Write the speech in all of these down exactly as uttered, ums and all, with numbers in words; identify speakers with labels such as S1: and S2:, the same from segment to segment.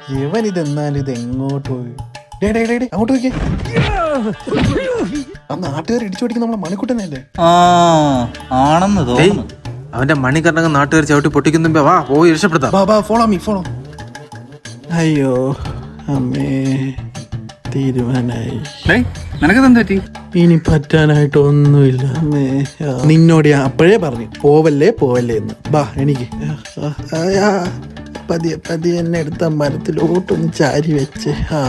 S1: ഇവൻ ഇതെന്നാലും ഇത് എങ്ങോട്ട് പോയി? ഡേ ഡേ ഡേ ഡേ അങ്ങോട്ട് നോക്കിയേ. ആ നാട്ടുകാർ ഇടിച്ചു പിടിക്കുന്ന നമ്മളെ മണിക്കുട്ടനല്ലേ?
S2: ആ ആണെന്ന് തോന്നുന്നു.
S3: അവന്റെ മണിക്കർണകം നാട്ടുകാർ ചവിട്ടി പൊട്ടിക്കുമ്പോ വാ പോയി രക്ഷപ്പെടുത്താം.
S1: ബാ ബാ ഫോളോ മീ ഫോളോ. അയ്യോ അമ്മേ, തീരുമാനായി.
S2: നിനക്കെന്ത് പറ്റി?
S1: ഇനി പറ്റാനായിട്ട് ഒന്നുമില്ല അമ്മേ. നിന്നോട് ഞാൻ അപ്പോഴേ പറഞ്ഞു പോവല്ലേ പോവല്ലേ എന്ന്. ബാ എനിക്ക് പതിയെ പതിയെ എന്നെ എടുത്ത മരത്തിലോട്ടൊന്ന് ചാരി വെച്ച്. ആ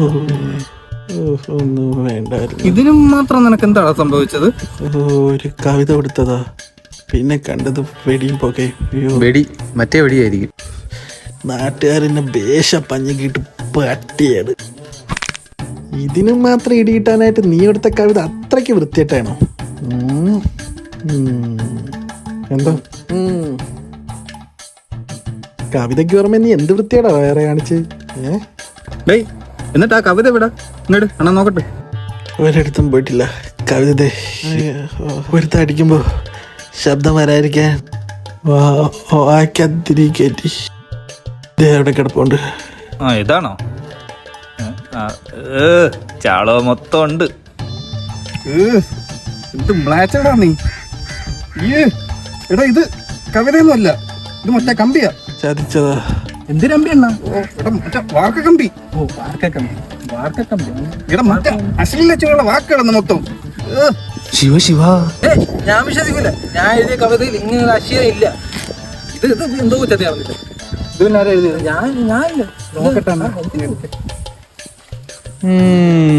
S1: ഒന്നും വേണ്ടായിരുന്നു.
S2: ഇതിനും മാത്രം നിനക്ക് എന്താണ് സംഭവിച്ചത്?
S1: ഒരു കവിത കൊടുത്തതാ, പിന്നെ കണ്ടത് വെടിയും പോകെ.
S3: വെടി മറ്റേ വെടിയായിരിക്കും.
S1: നാട്ടുകാരെന്നെ ബേഷ പഞ്ഞിക്കിട്ട് പട്ടിയാണ്. ഇതിനും മാത്രം ഇടിയിട്ടാനായിട്ട് നീ എടുത്ത കവിത അത്രയ്ക്ക് വൃത്തിയായിട്ടാണോ? എന്തോ കവിതയ്ക്ക് ഓർമ്മ നീ എന്ത് വൃത്തിയാടാ വേറെ കാണിച്ച്?
S2: ഏ എന്നിട്ട് ആ കവിത വിടാ ഇങ്ങോട്ട് അണ്ണാ നോക്കട്ടെ.
S1: ഒരിടത്തും പോയിട്ടില്ല. കവിത ഒരുത്ത അടിക്കുമ്പോ ശബ്ദം വരാതിരിക്കാൻ വാക്കാത്തിരി കയറ്റി അവിടെ കിടപ്പുണ്ട്.
S2: ആ ഇതാണോ? ചാളോ മൊത്തം ഉണ്ട്.
S4: ഇത് മ്ലാച്ചടാ നീ. എടാ ഇത് കവിതയൊന്നും അല്ല, ഇത് മറ്റേ കമ്പിയാ.
S1: ചതിച്ചതാ.
S4: എന്തിനമ്പി എണ്ണ? മറ്റേ വാർക്കക്കമ്പി.
S2: ഓ വാർക്കക്കമ്പി. വാർക്കക്കമ്പി
S4: എടാ മറ്റേ അശ്ലീലച്ചുള്ള വാക്കുകളെന്ന് മൊത്തം.
S3: ശിവ ശിവ
S2: ഞാൻ വിശ്വസിക്കില്ല. ഞാൻ എഴുതിയ കവിതയിൽ ഇങ്ങനെ അശ്ലീലം ഇല്ല. ഇത് ഇത് എന്തോ ചതിയാവുന്നില്ല.
S4: ഇത് പിന്നെ ആരാ എഴുതിയത്?
S2: ഞാൻ ഞാനില്ല.
S4: നോക്കട്ടെ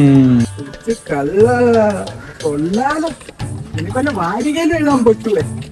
S4: കള്ള കൊള്ളാലോ. ഇനിപ്പോ വാരികയിൽ എഴുതാൻ പറ്റൂലേ?